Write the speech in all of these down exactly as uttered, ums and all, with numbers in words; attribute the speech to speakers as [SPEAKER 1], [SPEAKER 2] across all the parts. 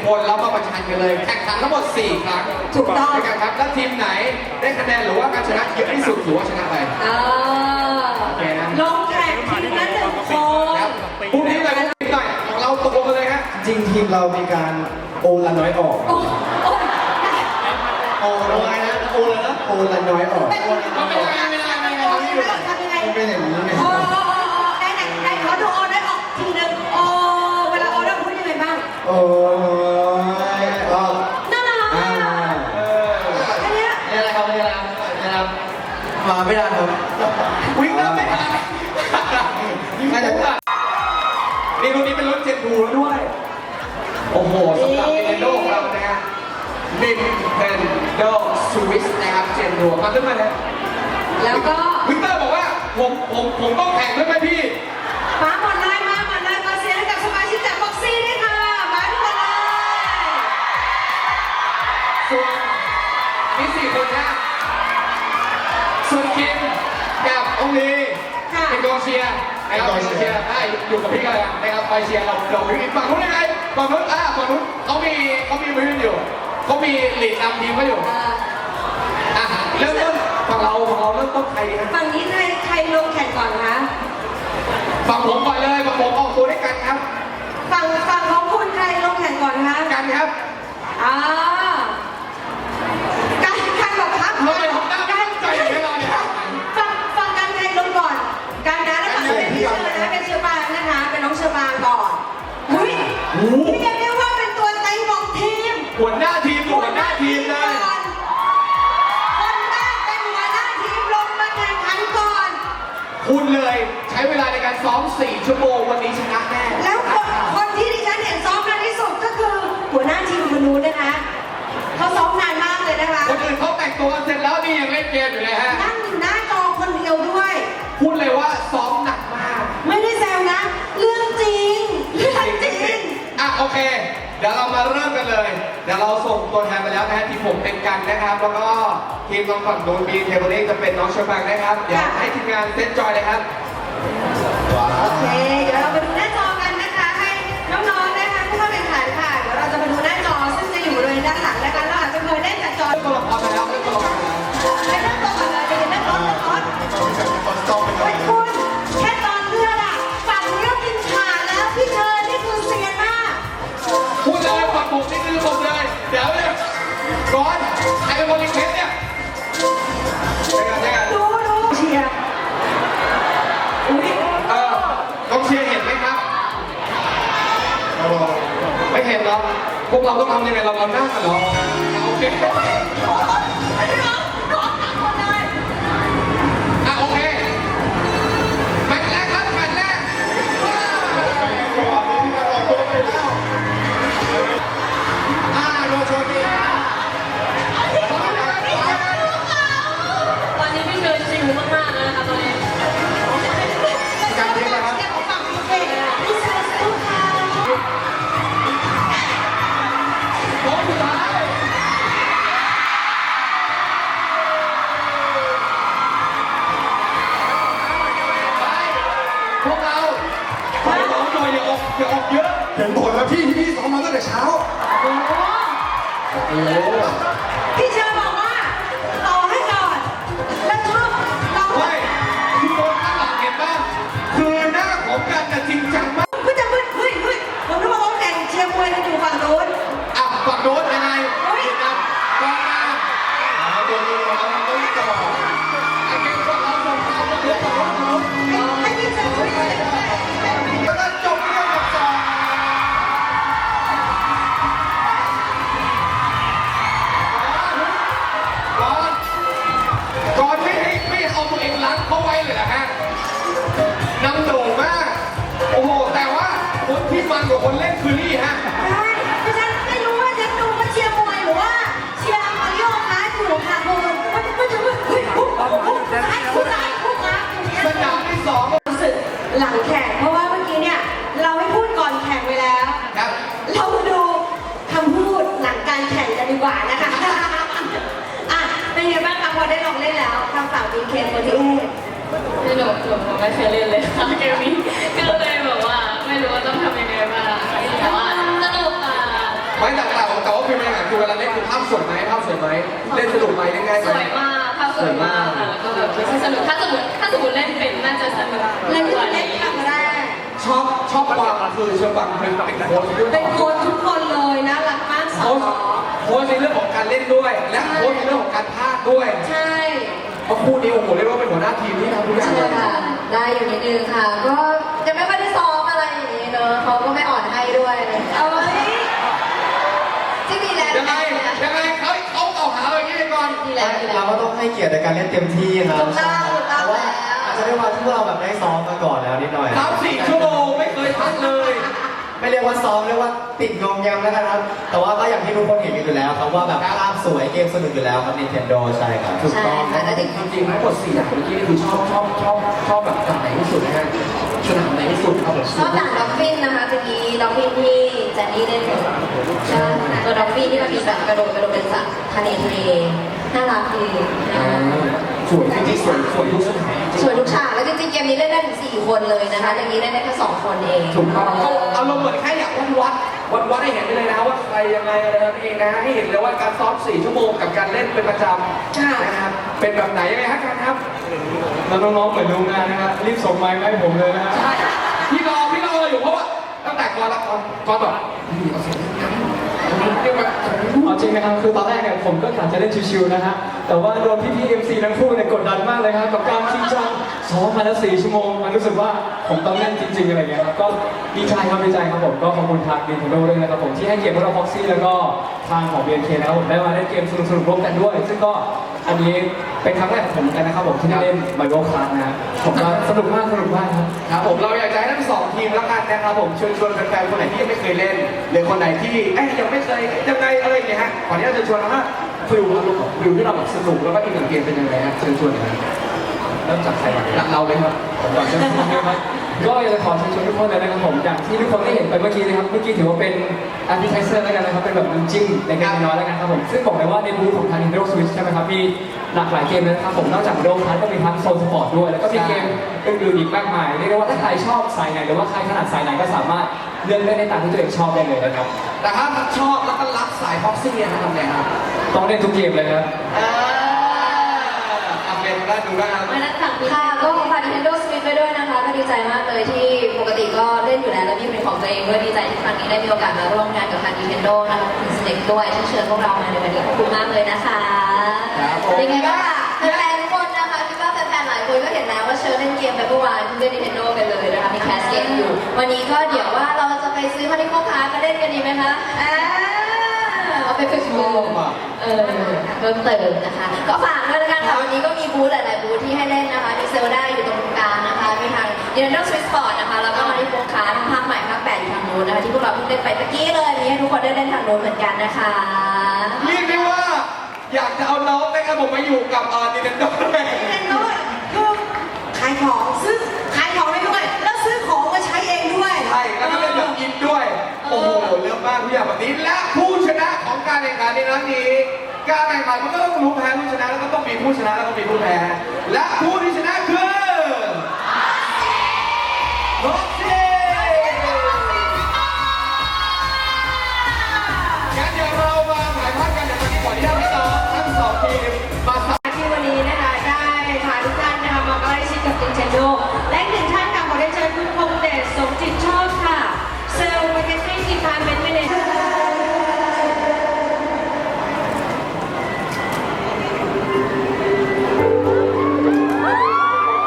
[SPEAKER 1] คนแล้วมาประชันกันเลยแข่งขันทั้งหมดสี่ครั้ง
[SPEAKER 2] ถูกต้อง
[SPEAKER 1] กันครับแล้วทีมไหนได้คะแนนหรือว่าการชนะเยอะที่สุดถือว่าชนะไป
[SPEAKER 2] เออลงแข่งทีมละหนึ่งคน
[SPEAKER 1] พรุ่งนี้เลยพรุ่งนี้หน่อยเราตกลงกันเลยครับ
[SPEAKER 3] จริงทีมเรามีการโอละน้อยออก
[SPEAKER 2] โอ้โอ้
[SPEAKER 3] โอละน้อยนะโอละนะโอละน้อยออก
[SPEAKER 2] เป็นไม่ได้ไม่ได้ไม่ได้ทำยังไง
[SPEAKER 3] มันเป็นอย่างนี้ไง
[SPEAKER 2] โอ้โอ้โอ้ได้ไหนได้ขอดูโอได้ออกทีนึงโอเวลาโอได้พูดยังไงบ้าง
[SPEAKER 3] โอ้ยออก
[SPEAKER 2] น่ารัก
[SPEAKER 3] อ่า
[SPEAKER 2] อันเนี้ย
[SPEAKER 3] นี่อะไรครับนี่อะไรครับนี่ครับมาไม่ได้ครับ
[SPEAKER 1] วิ่งได้ไม่ทันน่าจะนี่รุ่นนี้เป็นรถเจ็ดบูแล้วด้วย โอ้โหสำหรับ Nintendo ของเรานะฮะ Nintendo Switch นะครับเจนบูมาขึ้นมาเลย
[SPEAKER 2] แล้วก็
[SPEAKER 1] วิกเตอร์บอกว่าผมผมผมต้องแข่งด้วยไหมพี่
[SPEAKER 2] มาหมดเลยมาหมดเลยขอเสียงให้กับสมาชิกจากบ็อกซี่ด้วยค่ะมาทุกคนเลย
[SPEAKER 1] ส่วนมีสี่คนนะส่วนคิมกับองลีเป็นกองเชียร์นะครับเป็นกองเชียร์ได้อยู่กับพี่กันนะครับคอยเชียร์เราเราพี่ฝั่งนู้นยังไงฝั่งนู้นอ่าฝั่งนู้นเขามีเขามีมืออยู่เขามีหลีดนำทีมเขาอยู่อ่ะเริ่มต้นฝั่งเราฝั่งเราเริ่มต้นใครดีฮะ
[SPEAKER 2] ฝั่งนี้ใครใครลงแข่งก่อนคะ
[SPEAKER 1] ฝั่งผมก่อนเลยฝั่งผมออกตัวด้วยกันครับ
[SPEAKER 2] ฝั่งฝั่งของคุณใครลงแข่งก่อนคะ
[SPEAKER 1] กันครับ
[SPEAKER 2] อ่าการการบอกครับ
[SPEAKER 1] เราไปทำหน้าตั้งใจอย่างนี้เราเนี่ย
[SPEAKER 2] ฝั่งฝั่งการใครลงก่อน การนะแล้วฝั่งนี้เป็นพี่เชอร์นะเป็นเชอร์บางนะคะ เป็นน้องเชอร์บางก่อนอุ้ยเรียกได้ว่าเป็นตัวใจบอกทีม
[SPEAKER 1] หัวหน้าทีมหัวหน้าทีมเลย
[SPEAKER 2] คนแรกเป็นหัวหน้าทีมลงมาแข่งขันก่อน
[SPEAKER 1] คุณเลยใช้เวลาในการซ้อมสี่ชั่วโมงวันนี้ชนะแน่
[SPEAKER 2] แล้วคนคนที่ดิฉันเห็นซ้อมนานที่สุดก็คือหัวหน้าทีมคนนู้นนะคะเขาซ้อมนานมากเลยนะคะ
[SPEAKER 1] คนอื่นเขาแต่งตัวกันเสร็จแล้วนี่ยังเล่นเกมอยู่เลยฮะ
[SPEAKER 2] นั่งอยู่หน้าจอคนเดียวด้วย
[SPEAKER 1] พูดเลยว่าซ้อมหนักมาก
[SPEAKER 2] ไม่ได้แซวนะ เรื่องจริงเรื่องจริง
[SPEAKER 1] อ่ะโอเค เดี๋ยวเรามาเริ่มกันเลย เดี๋ยวเราส่งตัวแทนไปแล้วนะฮะทีมผมเป็นกันนะครับ แล้วก็ทีมน้องฝั่งนู้นมีเทเบิลเล็กจะเป็นน้องเชอร์บังนะครับ เดี๋ยวให้ทีมงานเซตจอยเลยครับ
[SPEAKER 2] โอเค เดี๋ยวเราไปดูหน้าจอกันนะคะ ให้น้องๆนะคะผู้เข้าแข่งขันค่ะ เดี๋ยวเราจะมาดูหน้าจอซึ่งจะอยู่บริเวณด้านหลังนะคะเราอาจจะเคยเล่นจากจอ
[SPEAKER 1] เริ่มตัวละครไปแล้วเริ่มตัวละครไปแล้ว
[SPEAKER 2] ไปนั่งตรงก่อนเลยไปเห็นนั่งรถนั่งรถเฮ้ยคุณแค่ตอนเลือดอะฝั่งนี้ก็กินขาดแล้วพี่เธอนี่คือเซียนมาก
[SPEAKER 1] พูดเลยฝั่งผมนี่คือผมเลย เดี๋ยวเนี่ยก่อนใครเป็นคนรีเควสเนี่ยใช่กันใช่กัน
[SPEAKER 2] ดูดูเชียร์อุ้ย
[SPEAKER 1] เออกองเชียร์เห็นไหมครับ ไม่เห็นเหรอ พวกเราต้องทำยังไงเราเราหน้ากันเหรอโอเค
[SPEAKER 2] ร้องร้องหนักหมดเลย
[SPEAKER 1] อ่ะโอเคแมตช์แรกครับแมตช์แรกอ่าโดนชนอีก
[SPEAKER 4] ตอนนี้พี่เชยชิวมากๆแล้วนะคะตอนนี้
[SPEAKER 1] การเทนะครับ
[SPEAKER 2] เชียร์ของฝั่งพี่เก่งพี่เชียร์สู้เขา
[SPEAKER 1] โค้งสุดท้ายไปพวกเราขอร้องหน่อยอย่าออกอย่าออกเยอะ
[SPEAKER 3] เห็นผลแล้วพี่ที่พี่ซ้อมมาตั้งแต่เช้า
[SPEAKER 2] โอ้โห
[SPEAKER 3] โอ้โห
[SPEAKER 2] พี่เชียร์บอกว่าต่อให้ก่อนแล้วชอบเรา
[SPEAKER 1] เฮ้ยทุกคนข้างหลังเห็นป่ะคือหน้าของกันแต่จริงจังมาก
[SPEAKER 2] ก็จะมึนเฮ้ยเฮ้ยผมนึกว่าเขาแข่งเชียร์มวยกันอยู่ฝั่งโน้น
[SPEAKER 1] อ่ะฝั่งโน้นยังไง
[SPEAKER 2] เฮ้ย
[SPEAKER 1] เห็นนะกองมา
[SPEAKER 3] เอาตัวนี้มาแล้วต้องต่อ
[SPEAKER 1] ไอ้เก่งพวกเราส่งเรามาเพื่อฝั่งโน้นฝั่งโน้น
[SPEAKER 2] ให้พี่เชียร์ช่วยด้วย
[SPEAKER 1] แล้วก็จบเรื่องกับสองก่อนก่อนไม่ให้ไม่เอาตัวเองล้างเขาไว้เลยนะฮะนำโด่งมาก โอ้โห แต่ว่าคนที่มันกว่าคนเล่นคือนี่ฮะ
[SPEAKER 2] ใช่ดิฉันไม่รู้ว่าจะดูว่าเชียร์มวยหรือว่าเชียร์มาริโอคาร์อยู่ค่ะคุณมันมันจะเฮ้ยปุ๊บปุ๊บปุ๊บซ้ายปุ๊บซ้ายปุ๊บซ้ายอย่างเงี้ย
[SPEAKER 1] สนามที่สอง
[SPEAKER 2] รู้สึกหลังแข่งเพราะว่าเมื่อกี้เนี่ยเราให้พูดก่อนแข่งไปแล้ว
[SPEAKER 1] ครับ
[SPEAKER 2] เรามาดูคำพูดหลังการแข่งกันดีกว่านะคะ อ่ะเป็นไงบ้างคะพอได้ลองเล่นแล้วทางฝั่งบีเคโฟร์ตี้เอท
[SPEAKER 4] พี่หนูหนูไม่เคยเล่นเลยค่ะเกมนี้ก็เลยแบบว่าไม่รู้ว่าต้องทำยังไงบ้างแต่ว่าสนุกค่ะ
[SPEAKER 1] ไม่แต่แต่แต่ว่าเป็นยังไงคือเวลาเล่นคือภาพสวยไหมภาพสวยไหมเล่นสนุกไหมเล่นง่ายไห
[SPEAKER 4] ส
[SPEAKER 1] ม
[SPEAKER 4] วยมากภาพสวยมากค่ะแล้วก็แบบไม่ใช่สนุกถ้าสมมติถ้าสมมติเล่นเป็นน่าจะสนุก
[SPEAKER 2] เล่น
[SPEAKER 4] ก
[SPEAKER 2] ที่
[SPEAKER 4] ว่า
[SPEAKER 2] เล่น
[SPEAKER 4] นี้
[SPEAKER 2] ครั้งแรก
[SPEAKER 1] ชอบชอบความคือเชอบังเป็นเป็นโค้ชด้วย
[SPEAKER 2] เป็นโค้ชทุกคนเลยน่ารักมากสอ
[SPEAKER 1] โค้
[SPEAKER 2] น
[SPEAKER 1] ชโค้ชในเรื่องของการเล่นด้วย และโค้ชในเรื่องของการพากย์ด้วย
[SPEAKER 2] ใช่
[SPEAKER 1] เพราะคู่นี้โอ้โหเรียกว่าเป็นหัวหน้าทีมที่ทำทุกอย่าง
[SPEAKER 5] ใช่
[SPEAKER 1] เลย
[SPEAKER 5] ค่ะ ได้อยู่นิดนึงค่ะ ก็จะไม่ค่อยได้ซ้อมอะไรอย่างนี้เนอะเขาก็ไม่อ่อนให้ด้วย
[SPEAKER 2] เอาไว้
[SPEAKER 5] ที่มีแรง
[SPEAKER 1] ยังไงยังไงเขาเขาเกล่าวหาเราอย่างนี้ไปก่อน
[SPEAKER 5] มีแรงมีแร
[SPEAKER 3] เรา
[SPEAKER 5] ง
[SPEAKER 3] ก็ต้องให้เกียรติในการเล่นเต็มที่ครับ
[SPEAKER 5] ถูกต้องถูกต้อง
[SPEAKER 3] เพราะว่า
[SPEAKER 5] แล้ว
[SPEAKER 3] อาจจะด้วยความที่พวกเราแบบได้ซ้อมมาก่อนแล้วนิดหน่อย
[SPEAKER 1] สามสี่ชั่วโมงไม่เคยพักเลย
[SPEAKER 3] ไม่เรียกว่าซ้อมเรียกว่าติดงอมแงมแล้วกันครับ แต่ว่าก็อย่างที่ทุกคนเห็นกันอยู่แล้วครับว่าแบบภาพสวยเกมสนุกอยู่แล้วครับ Nintendo ใช่ครับ
[SPEAKER 1] ถูกต้อง
[SPEAKER 5] ใช่ค่ะแล้วจริง
[SPEAKER 1] จริงๆทั้งหมดสี่อย่างเมื่อกี้นี่คือชอบชอบชอบชอบแบบไหนที่สุดนะฮะสนามไหนที่สุดครับผม
[SPEAKER 5] นอกจากด็อกฟินนะคะจะมีด็อกฟินที่แจนนี่เล่นอยู่ใช่ตัวด็อกฟินที่มันมีแบบกระโดดกระโดดเป็นสัตว์ทะเลทะเลน่ารักดีนะ
[SPEAKER 1] อ่า
[SPEAKER 5] คะ
[SPEAKER 1] สวยจริงๆสวยสวยทุกสถานจริงๆ
[SPEAKER 5] สวยทุกฉากแล้วจริงๆเกมนี้เล่นได้ถึงสี่คนเลยนะคะอย่างนี้เล่นได้แค่สองคนเอง
[SPEAKER 1] ถูกต้องก็อารมณ์เหมือนแค่อยากวัดวัดวัดวัดให้เห็นไปเลยนะว่าใครยังไงอะไรนั่นเองนะให้เห็นเลยว่าการซ้อมสี่ชั่วโมงกับการเล่นเป็นประจำนะครับเป็นแบบไหนยังไงฮะการครับ
[SPEAKER 6] แล้วน้องๆเหมือนโรงงานนะครับรีบส่งไมค์มาให้ผมเลยนะฮะ
[SPEAKER 1] ใช่พี่รอพี่รออยู่เพราะว่าตั้งแต่ก่อนละก่อนก่อนแบบพี่เอาเสียงกันเรียกว่า
[SPEAKER 6] เอาจริงนะครับคือตอนแรกเนี่ยผมก็กะจะเล่นชิวๆนะฮะแต่ว่าโดนพี่ๆ เอ็ม ซี ทั้งคู่เนี่ยกดดันมากเลยครับกับการจริงจังซ้อมมาแล้วสี่ชั่วโมงมันรู้สึกว่าผมต้องเล่นจริงๆอะไรอย่างเงี้ยครับก็ดีใจครับดีใจครับผมก็ขอบคุณทาง Nintendo ด้วยนะครับผมที่ให้เกียรติพวกเรา Foxy แล้วก็ทางของ บี เอ็น เค นะครับผมได้มาเล่นเกมสนุกๆร่วมกันด้วย ซึ่งก็อันนี้เป็นครั้งแรกของผมเหมือนกันนะครับผมที่ได้เล่น Mario Kart นะฮะผมก็สนุกมากสนุกมากครับ
[SPEAKER 1] ครับผมเราอยากจะให้ทั้งสองทีมแล้วกันนะครับผมเชิญชวนแฟนๆคนไหนที่ยังไม่เคยเล่นหรือคนไหนที่เอ๊ยยังไม่เคยยังไงอะไรอย่างเงี้ยฮะขออนุญาตเชิญชวนนะฮะฟิลอารมณ์ของฟิลที่เราแบบสนุกแล้วก็อินกับเกมเป็นยังไงฮะเชิญชวนหน่อยฮะเริ่มจากใครก่อนหลักเราเลยครับ
[SPEAKER 6] ผมก่อนเชิญชวนนะครับก็อยากจะขอเชิญชวนทุกคนเลยนะครับผมอย่างที่ทุกคนได้เห็นไปเมื่อกี้นะครับเมื่อกี้ถือว่าเป็น appetizer แล้วกันนะครับเป็นแบบน้ำจิ้มเล็กๆน้อยๆแล้วกันครับผมซึ่งบอกเลยว่าในบูธของทาง Nintendo Switch ใช่ไหมครับมีหลากหลายเกมเลยนะครับผมนอกจาก Mario Kart ก็มีทั้งโซนสปอร์ตด้วยแล้วก็มีเกมอื่นๆอีกมากมายเรียกได้ว่าถ้าใครชอบสายไหนหรือว่าใครถนัดสายไหนก็สามารถเลือกเล่นได้ตามที่ตัวเองชอบได้เลยนะครับ
[SPEAKER 1] แต่ถ้าชอบแล้วก็รักสายพ็อกซี่นะทำไงครับ
[SPEAKER 6] ต้องเล่นทุกเกมเลยครับ
[SPEAKER 1] เออเอาเป็นได้ดูได้ครับ
[SPEAKER 5] วันนั้นสั่งค่ะก็ขอฝาก Nintendo Switch ไปด้วยนะคะก็ดีใจมากเลยที่ปกติก็เล่นอยู่แล้วแล้วมีเป็นของตัวเองด้วยดีใจที่ครั้งนี้ได้มีโอกาสมาร่วมงานกับทาง Nintendo นะคะถึงสเต็กด้วยที่เชิญพวกเรามาในวันนี้ขอบคุณมากเลยนะคะ
[SPEAKER 1] ครับผม
[SPEAKER 5] ยังไงก็ฝากแฟนๆทุกคนนะคะคิดว่าแฟนๆหลายคนก็เห็นแล้วว่าเชิญเล่นเกมไปเมื่อวานเล่น Nintendo กันเลยนะคะมีแคสเกมอยู่ วันนี้ก็เดี๋ยวว่าเราจะไปซื้อมาที่พ่อค้ามาเล่นกันดีไหมคะอ่าเอาไปฝึกมือเออเพิ่มเติมนะคะ ก็ฝากด้วยละกันค่ะวันนี้ก็มีบูธหลายๆบูธที่ให้เล่นนะคะมีเซลได้อยู่ตรงกลางนะคะมีทาง Nintendo Switch Sport นะคะแล้วก็มาที่พ่อค้าภาคใหม่ภาคแปดอยู่ทางนู้นนะคะที่พวกเราเพิ่งเล่นไปเมื่อกี้เลยมีให้ทุกคนได้เล่นทางนู้นเหมือนกันนะคะ
[SPEAKER 1] เรียกได้ว่าอยากจะเอาน้องนะครับผมมาอยู่กับเอ่อ Nintendo ด้วย
[SPEAKER 2] เล่นด้วยคือขายของซื้อขายของไปด้วยแล้วซื้อของมาใช้เองด้วย
[SPEAKER 1] ใช่แล้วก็เล่นแบบอินด้วย โอ้โหเลือกมากทุกอย่างแบบนี้และผู้ชนะของการแข่งขันในครั้งนี้ การแข่งขันมันก็ต้องรู้แพ้ผู้ชนะแล้วก็ต้องมีผู้ชนะแล้วก็มีผู้แพ้และผู้ที่ชนะคือร็อกซี่งั้นเดี๋ยวเรามาถ่ายภาพกันเดี๋ยวตอนนี้ขออนุญาตให้น้องทั้งสองทีมมา
[SPEAKER 2] ที่วันนี้นะคะได้พาทุกท่านนะคะมาใกล้ชิดกับ Nintendo และอีกหนึ่งท่านค่ะขอได้เชิญคุณพงษ์เดชสมจิตชอบค่ะเซลล์มาร์เก็ตติ้งดีพาร์ตเมนต์แมเนเจอร์
[SPEAKER 5] ค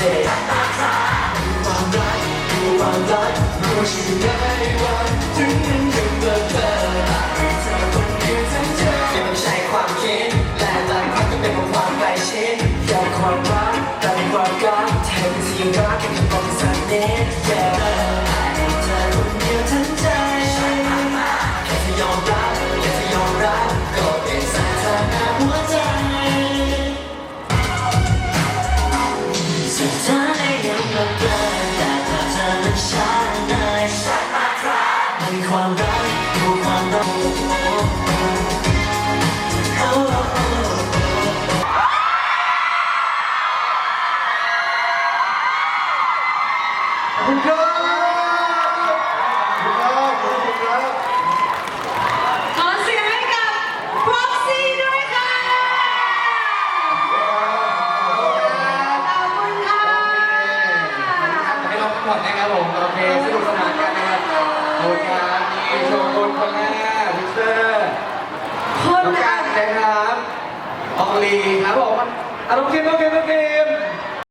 [SPEAKER 3] say ความรักคือความรักรู้ชื่อได้ว่าถึงมันยังเบลอเบลอให้เธอคนเดียวทั้งใจไม่ใช่ความคิดและหลายครั้งก็เป็นเพราะความใกล้ชิดอยากความรักแต่เป็นความรักแทนที่จะรักกันกับความสันนิษฐานให้เธอคนเดียวทั้งใจแค่จะยอมรับแค่จะยอมรับก็เป็นสถานะหัวใจสุดท้ายยังเบลอเบลอแต่ถ้าเธอมันชัดเลยมันความรักคือความรัก
[SPEAKER 1] ขอบคุณครับขอบคุณครับขอบคุณครับ
[SPEAKER 2] ขอเสียงให้กับ Proxy ด้วยค่ะขอบคุณค่ะ
[SPEAKER 1] ให้เราพักผ่อนนะครับผมโอเคสนุกสนานกันนะครับขอบคุณครับนี่โชว์คนคนแรกพิเตอร์
[SPEAKER 2] คน
[SPEAKER 1] น้อง
[SPEAKER 2] ละ
[SPEAKER 1] กันนะครับอองลีครับผมอ่ะน้องคิมน้องคิมน้องคิ